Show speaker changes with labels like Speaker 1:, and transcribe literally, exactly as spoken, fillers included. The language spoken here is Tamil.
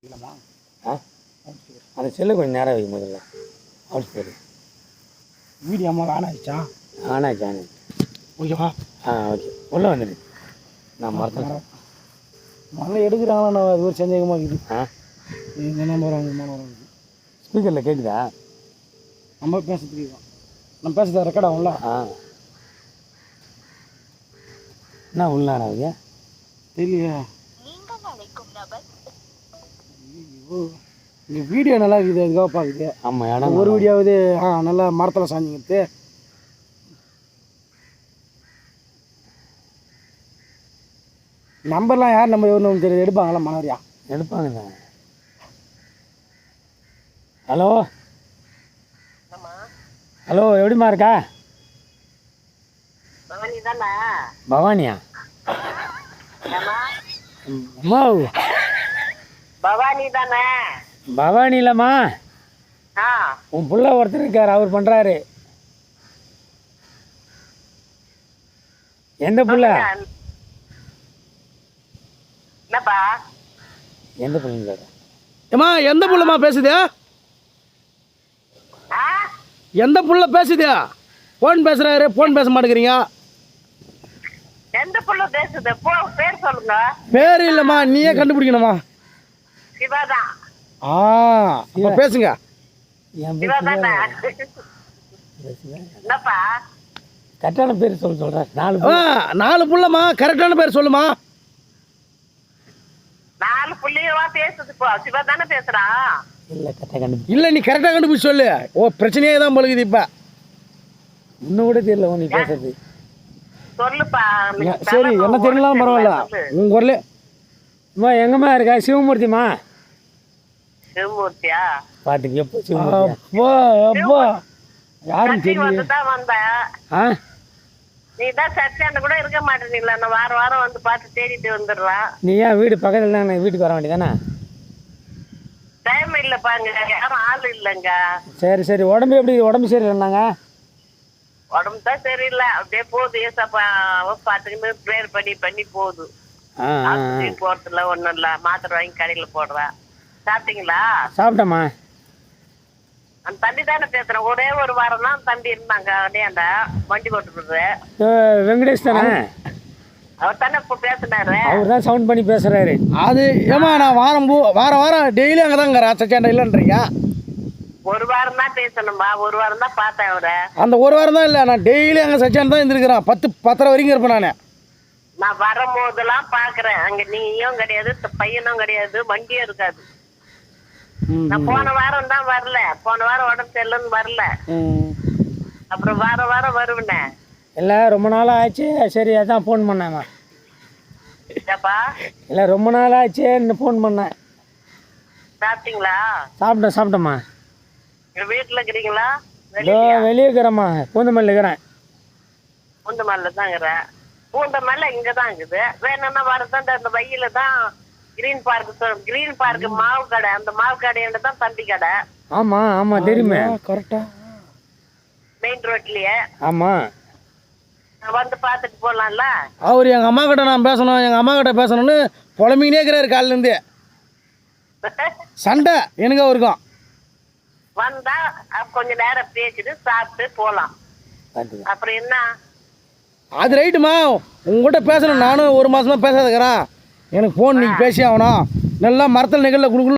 Speaker 1: இல்லைம்மா.
Speaker 2: ஆ அந்த செல்லு கொஞ்சம் நேரம் வைக்கும் முதல்ல அவுட் சரி
Speaker 1: வீடியோ அம்மா ஆன் ஆயிடுச்சா?
Speaker 2: ஆன் ஆச்சு ஆன் ஆச்சு.
Speaker 1: ஓகேவா?
Speaker 2: ஆ ஓகே உள்ளே வந்துடு. நான் மறந்துட்டேன்.
Speaker 1: மழை எடுக்கிறாங்களா? நான் அது ஒரு சந்தேகமாக இருக்குது.
Speaker 2: ஆ
Speaker 1: இந்த நம்பர் வாங்க மூணு வரும்.
Speaker 2: ஸ்பீக்கரில் கேட்குதா?
Speaker 1: நம்ம பேசுறதுக்கு தான் நம்ம பேசுறது ரெக்கார்ட் ஆகும்ல?
Speaker 2: ஆ என்ன உள்ள ஆகுது
Speaker 1: தெரியலையா? இங்கே வீடியோ நல்லா இருக்குது, அதுக்காக பார்க்குது.
Speaker 2: ஆமாம் இடம்
Speaker 1: ஒரு வீடியோவது ஆ நல்லா மரத்தில் சாஞ்சிங்கிறது. நம்பர்லாம் யார் நம்பர் எவ்வளோ தெரியுது? எடுப்பாங்களா மனோரியா?
Speaker 2: எடுப்பாங்க. ஹலோ ஹலோ எப்படிம்மா இருக்கா? பவானியா? அம்மா
Speaker 3: பவானி தானே?
Speaker 2: பவானி இல்லைம்மா,
Speaker 3: ஆ
Speaker 2: உன் புள்ள ஒருத்தர் இருக்கார், அவர் பண்ணுறாரு. எந்த புள்ள?
Speaker 3: என்னப்பா?
Speaker 2: எந்த புள்ளைங்க கேட்க?
Speaker 1: ஏம்மா எந்த புள்ளமா பேசுது? எந்த புள்ள பேசுது? ஃபோன் பேசுகிறாரு, ஃபோன் பேச மாட்டேங்கிறீங்க.
Speaker 3: எந்த புள்ள பேசுது? போ பேர் சொல்லுங்க.
Speaker 1: பேர் இல்லைம்மா, நீயே கண்டுபிடிக்கணுமா?
Speaker 3: சிவாதான்.
Speaker 1: ஆ அப்போ பேசுங்க.
Speaker 2: என்
Speaker 3: சிவாதானே? என்னப்பா?
Speaker 2: கரெக்டான பேர் சொல்ல சொல்கிறேன். நாலு
Speaker 1: ஆ நாலு புள்ளம்மா, கரெக்டான பேர் சொல்லுமா?
Speaker 3: நாலு புள்ளியவா பேசுது? போ சிவா தானே பேசுறான்.
Speaker 2: இல்லை கரெக்டாக கண்டுபிடி.
Speaker 1: இல்லை நீ கரெக்டாக கண்டுபிடிச்சி சொல்லு. ஓ பிரச்சனையே தான் பழகுது இப்போ.
Speaker 2: இன்னும் கூட தெரியல நீ பேசுறது.
Speaker 3: சொல்லுப்பா.
Speaker 1: சரி என்ன தெரியலாம் பரவாயில்ல. உங்க குரலே
Speaker 2: அம்மா எங்கம்மா இருக்கா? சிவமூர்த்திம்மா.
Speaker 3: சிவமூர்த்தியா?
Speaker 2: பாட்டுக்கு எப்போ சிவமூர்த்தி?
Speaker 1: அப்பா அப்பா யாரும் தெரியல.
Speaker 3: வந்துதான் வந்தேன்.
Speaker 2: ஆ
Speaker 3: நீ தான் சர்ச்சாண்ட கூட இருக்க மாட்டேங்கல. நான் வாரம் வாரம் வந்து பார்த்து தேடிட்டு வந்துடுறான்.
Speaker 2: நீ ஏன் வீடு பக்கத்தில் தான் வீட்டுக்கு வர வேண்டியதானே?
Speaker 3: டைம் இல்லைப்பாங்க, யாரும் ஆள் இல்லைங்க.
Speaker 2: சரி சரி உடம்பு எப்படி? உடம்பு சரியில்லைன்னாங்க.
Speaker 3: உடம்பு தான் சரியில்லை, அப்படியே போகுது. ஏசப்பா பார்த்துக்கிட்டு ப்ரேயர் பண்ணி பண்ணி போகுது.
Speaker 2: ஆ
Speaker 3: ஆஸ்பத்திரி போறதுல ஒன்றும் இல்லை, மாத்திரை வாங்கி கடையில் போடுறேன். சாப்பிட்டீங்களா?
Speaker 2: சாப்பிட்டேம்மா.
Speaker 3: அந்த தம்பி தானே பேசுறேன். ஒரே ஒரு வாரம் தான் தம்பி இருந்தாங்க அடையாண்ட வண்டி போட்டுருக்குறது.
Speaker 2: வெங்கடேஷ் தானே?
Speaker 3: அவர் தானே இப்போ பேசுனாரு.
Speaker 2: அவர் தான் சவுண்ட் பண்ணி பேசுறாரு.
Speaker 1: அது ஏமா நான் வாரம் பூ வாரம் வாரம் டெய்லி அங்கே தாங்க சச்சாண்டா இல்லைன்றீங்க.
Speaker 3: ஒரு வாரம் தான் பேசணும்பா, ஒரு வாரம் தான் பார்த்தேன் அவரை.
Speaker 1: அந்த ஒரு வாரம் தான் இல்லை, நான் டெய்லி அங்கே சச்சாண்ட் தான் இருந்திருக்கிறேன். பத்து பத்தரை வரைக்கும் இருப்பேன் நான்.
Speaker 3: நான் வரும்போதெல்லாம் பாக்குறேன், அங்க நீயும் கிடையாது, பையனும் கிடையாது, வண்டியும் இருக்காது. நான் போன வாரம் தான் வரல, போன வாரம் உடம்பு சரியில்லைன்னு வரல. அப்புறம் வாரம் வாரம் வருவேனே.
Speaker 2: இல்லை ரொம்ப நாளாக ஆச்சு, சரி அதான் ஃபோன் பண்ணேம்மா.
Speaker 3: ஏப்பா?
Speaker 2: இல்லை ரொம்ப நாள் ஆச்சுன்னு ஃபோன் பண்ணேன்.
Speaker 3: சாப்பிட்டீங்களா?
Speaker 2: சாப்பிட்டேன் சாப்பிட்டேம்மா.
Speaker 3: வீட்டுல இருக்கிறீங்களா?
Speaker 2: இதோ வெளியே இருக்கிறேம்மா, பூந்தமல்லியில் இருக்கிறேன்.
Speaker 3: பூந்தமல்ல தான் இருக்கிறேன். பூந்தமல்ல இங்க தான் இருக்குது. வேணும்னா வரதான் அந்த வயல தான் கிரீன் பார்க். கிரீன் பார்க் மாவு கடை, அந்த மாவு கடையில தான் தம்பி கடை.
Speaker 2: ஆமாம் ஆமாம் தெரியுமே.
Speaker 1: கரெக்டா
Speaker 3: மெயின் ரோட்லயே.
Speaker 2: ஆமாம்
Speaker 3: வந்து பார்த்துட்டு போகலாம்ல.
Speaker 1: அவர் எங்கள் அம்மா கிட்ட நான் பேசணும், எங்கள் அம்மா கிட்ட பேசணும்னு புலம்பினே இருக்கிறாரு காலிலேருந்து. சண்டை எனக்கு அவருக்கும்.
Speaker 3: வந்தா கொஞ்ச நேரம் பேசிட்டு சாப்பிட்டு போலாம். அப்புறம் என்ன?
Speaker 1: அது ரைட்டுமா, உங்கள்கிட்ட பேசணும். நானும் ஒரு மாதமாக பேசாதுக்கிறேன். எனக்கு ஃபோன் நீங்கள் பேசி ஆகணும். நல்லா மரத்தில் நிகழ்ல குடுக்கணும்.